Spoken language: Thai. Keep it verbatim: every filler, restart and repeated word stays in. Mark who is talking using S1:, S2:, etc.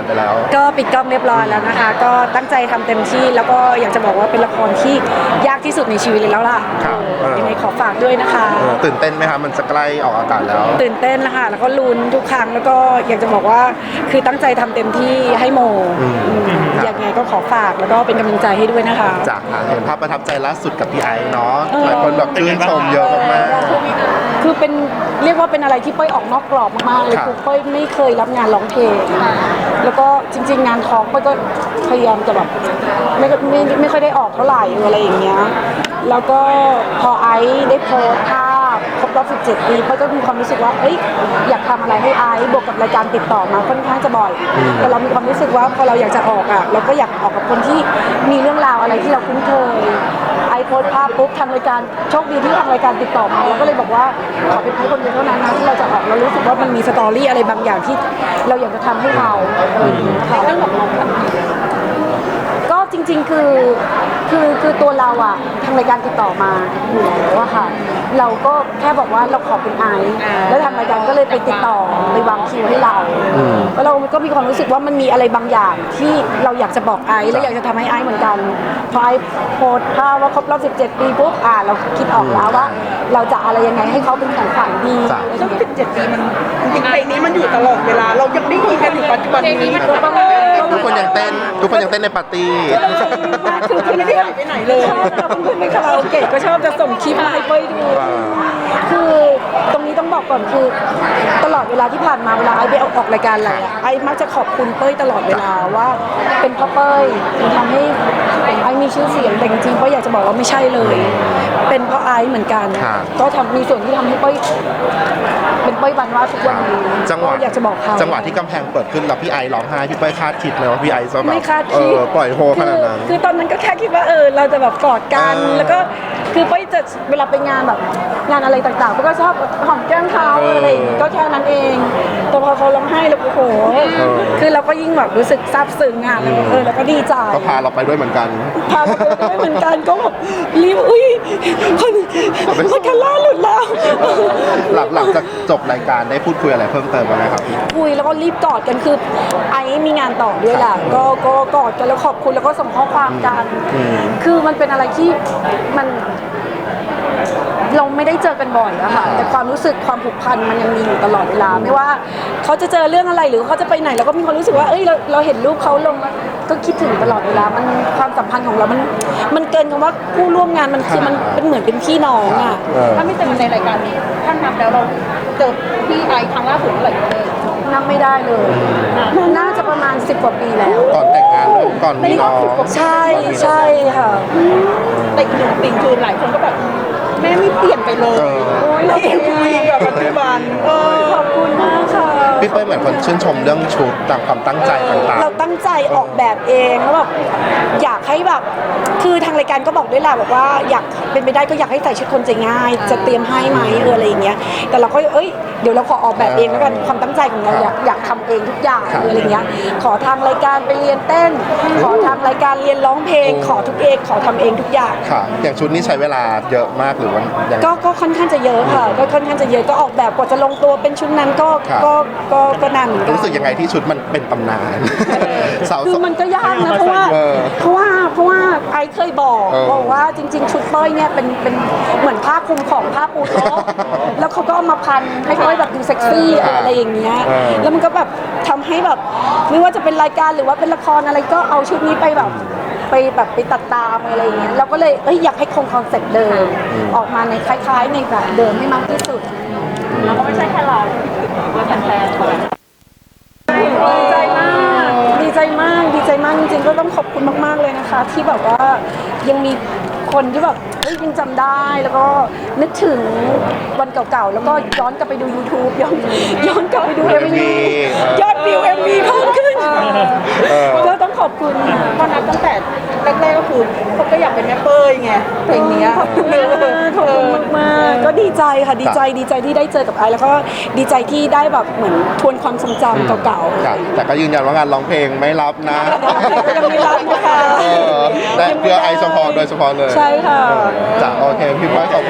S1: านไปแล้ว
S2: ก็ปิดกล้องเรียบร้อยแล้วนะคะก็ตั้งใจทำเต็มที่แล้วก็อยากจะบอกว่าเป็นละครที่ยากที่สุดในชีวิตเลยแล้วล่ะยังไงขอฝากด้วยนะคะ
S1: ตื่นเต้นไหมคะมันจะใกล้ออกอากาศแล้ว
S2: ตื่นเต้นนะคะแล้วก็ลุ้นทุกครั้งแล้วก็อยากจะบอกว่าคือตั้งใจทำเต็มที่ให้โมยังไงก็ขอฝากแล้วก็เป็นกำลังใจให้ด้วยนะคะ
S1: จากเห็นภาพประทับใจล่าสุดกับพี่ไอซ์เนาะหลายคนแบบชื่นชมเยอะมาก
S2: คือเป็นเรียกว่าเป็นอะไรที่เป้ยออกนอกกรอบมากๆเลยคือเป้ยไม่เคยรับงานร้องเพลงแล้วก็จริงๆงานทอล์กเป้ยก็พยายามจะแบบไม่ไม่ไม่ค่อยได้ออกเท่าไหร่อะไรอย่างเงี้ยแล้วก็พอไอซ์ได้โพสต์ภาพครบรอบสิบเจ็ดปีเป้ยก็มีความรู้สึกว่าเอ้ยอยากทำอะไรให้ไอซ์บวกกับรายการติดต่อมาค่อนข้างจะบ่อยแต่เรามีความรู้สึกว่าพอเราอยากจะออกอ่ะเราก็อยากออกกับคนที่มีเรื่องราวอะไรที่เราคุ้นเคยไอโพสภาพปุ๊บทางรายการโชคดีที่ทางรายการติดต่อมาเราก็เลยบอกว่าขอเป็นให้คนเดียวเท่านั้นนะที่เราจะออกเรารู้สึกว่ามันมีสตอรี่อะไรบางอย่างที่เราอยากจะทำให้เขาค่ะเรื่องของเราก็จริงๆคือคือคือตัวเราอะทางรายการติดต่อมาอยู่แล้วอะค่ะเราก็แค่บอกว่าเราขอเป็นไอซ์แล้วทางรายการก็เลยไปติดต่อไปวางคิวให้เราแล้วเราก็มีความรู้สึกว่ามันมีอะไรบางอย่างที่เราอยากจะบอกไอซ์และอยากจะทำให้ไอซ์เหมือนกันพอไอซ์โพสต์ภาพว่าครบรอบสิบเจ็ดปีปุ๊บอ่าเราคิดออกแล้วว่าเราจะอะไรยังไงให้เขาเป็นของขวัญดี
S3: ซึ่งสิบเจ็ดปีมันจริงๆเพลงนี้มันอยู่ตลอดเวลาเรายังได้ยินกันอยู่ปัจจุบันนี้
S1: ทุกคนยังเต้นทุกคนยังเต้นในปาร์ตี้
S2: คือคือไม่ได้หายไปไหนเลยชอบเราเพื่อนในคาราโอเกะก็ชอบจะส่งคลิปมาให้เป้ยดูคือตรงนี้ต้องบอกก่อนคือตลอดเวลาที่ผ่านมาเวลาไอ้ไปออกรายการอะไรอะไอ้มักจะขอบคุณเป้ยตลอดเวลาว่าเป็นเพราะเป้ยที่ทำให้ไอ้มีชื่อเสียงแต่จริงๆเป้ยอยากจะบอกว่าไม่ใช่เลยเป็นเพราะไอ้เหมือนกันก็ทำมีส่วนที่ทำให้เป้ยเป็นเป้ยบันว่าทุกวันนี้
S1: จังหวะ
S2: อยากจะบอกเขา
S1: จังหวะที่กำแพงเปิดขึ้นแล้วพี่ไอร้องไห้พี่เป้ยคาดคิดเลยว่าพี่ไอจะแบบ
S2: ไม่คาดคิด
S1: ปล่อยโฮขนาดนั้น
S2: คือตอนนั้นก็แค่คิดว่าเออเราจะแบบกอดกันแล้วก็คือเป้ยจะเวลาไปงานแบบงานอะไรต่างๆเป้ยก็ชอบหอมแก้มเขาอะไรก็แค่นั้นเองแต่พอเขาร้องไห้แล้วโอ้โหคือเราก็ยิ่งแบบรู้สึกซาบซึ้งอ่ะแล้วเออแล้วก็ดีใจ
S1: ก็พาเราไปด้วยเหมือนกัน
S2: พาเราไปด้วยเหมือนกันก็แบบรีบอุ้ยคนคนคาร่าหลุดแล้ว
S1: หลังหลังจากจบรายการได้พูดคุยอะไรเพิ่มเติมไหมครับ
S2: คุยแล้วก็รีบกอดกันคือไอ้มีงานต่อด้วยแหละก็ก็กอดกันแล้วขอบคุณแล้วก็ส่งข้อความกันคือมันเป็นอะไรที่มันเราไม่ได้เจอกันบ่อยอะค่ะแต่ความรู้สึกความผูกพันมันยังมีอยู่ตลอดเวลาไม่ว่าเขาจะเจอเรื่องอะไรหรือเขาจะไปไหนเราก็มีความรู้สึกว่าเอ้ยเราเราเห็นรูปเขาลงก็คิดถึงตลอดเวลามันความสัมพันธ์ของเรามันมันเกินคำว่าผู้ร่วมงานมันคือมันเป็นเหมือนเป็นพี่น้องอะ
S3: ถ้าไม่เจอในรายการนี้ท่านนับแล้วเราเจอพี่ไอครั้งล่าสุดเมื่อไหร่เลย
S2: นับไม่ได้เลยน่าจะประมาณสิบกว่าปีแล้ว
S1: ก่อนแต่งงานก่อนมีน้อง
S2: ใช่ใช่ค่ะ
S3: แต่อีกหนึ่งสิ่งคือหลายคนก็แบบแม่ไม่เปลี่ยนไปเลยโอ้ยเราเองคุยกับปัจจุบัน
S2: ขอบคุณมากค่ะ
S1: พี่เป้ยเหมือนคนชื่นชมเรื่องชุดตามความตั้งใจต่างๆ
S2: เราตั้งใจออกแบบเองแล้วแบบอยากให้แบบคือทางรายการก็บอกด้วยแหละบอกว่าอยากเป็นไปได้ก็อยากให้ใส่ชุดคนใจง่ายจะเตรียมให้ไหมเอออะไรอย่างเงี้ยแต่เราก็เอ้ยเดี๋ยวเราขอออกแบบเองแล้วกันความตั้งใจของเราอยากอยากทำเองทุกอย่างอะไรอย่างเงี้ยขอทางรายการไปเรียนเต้นขอทางรายการเรียนร้องเพลงขอทุกเองขอทำเองทุกอย่าง
S1: ค่ะอย่างชุดนี้ใช้เวลาเยอะมากหรือว่า
S2: ก็ก็ค่อนข้างจะเยอะค่ะก็ค่อนข้างจะเยอะก็ออกแบบกว่าจะลงตัวเป็นชุดนั้นก็ก็ก็ก็นานเหมือนกัน
S1: รู้สึกยังไงที่ชุดมันเป็นตำนาน
S2: คือมันก็ยากนะเพราะว่าเพราะว่าเพราะว่าไอเคยบอกบอกว่าจริงๆชุดเป้ยเนี่ยเป็นเป็นเหมือนผ้าคลุมของผ้าปูโต๊ะแล้วเขาก็เอามาพันให้เป้ยแบบดูเซ็กซี่อะไรอย่างเงี้ยแล้วมันก็แบบทำให้แบบไม่ว่าจะเป็นรายการหรือว่าเป็นละครอะไรก็เอาชุดนี้ไปแบบไปแบบไปตัดตามอะไรอย่างเงี้ยเราก็เลยเอ้ยอยากให้คงคอนเซ็ปต์เดิมออกมาในคล้ายๆในแบบเดิมให้มากที่สุด
S3: แล้วก็ไม่ใช่แค่เราเพื่อนแฟน
S2: ดีใจมากดีใจมากดีใจมากจริงๆก็ต้องขอบคุณมากๆเลยนะคะที่แบบว่ายังมีคนที่แบบเฮ้ยยังจำได้แล้วก็นึกถึงวันเก่าๆแล้วก็ย้อนกลับไปดู YouTube ย้อนย้อนกลับไปดู เอ็ม วี ยอดวิว เอ็ม วี เพิ่มขึ้นก็ต้องขอบคุณ
S3: ตอนนั้นตั้งแต่แรกๆก็คือผมก็อยากเป็นแม่เป้ยไงเพลงนี้
S2: ขอบคุณมากขอบคุณมากก็ดีใจค่ะดีใจดีใจที่ได้เจอกับไอแล้วก็ดีใจที่ได้แบบเหมือนทวนความทรงจำเก่า
S1: ๆแต่ก็ยืนยันว่างานร้องเพลงไม่รับนะ
S2: ยังไม่รับนะคะ
S1: แต่เพื่อไอเฉพาะโดยเฉพาะเลย
S2: ใช่ค่ะ
S1: จ้ะโอเคพี่เป้ยขอบ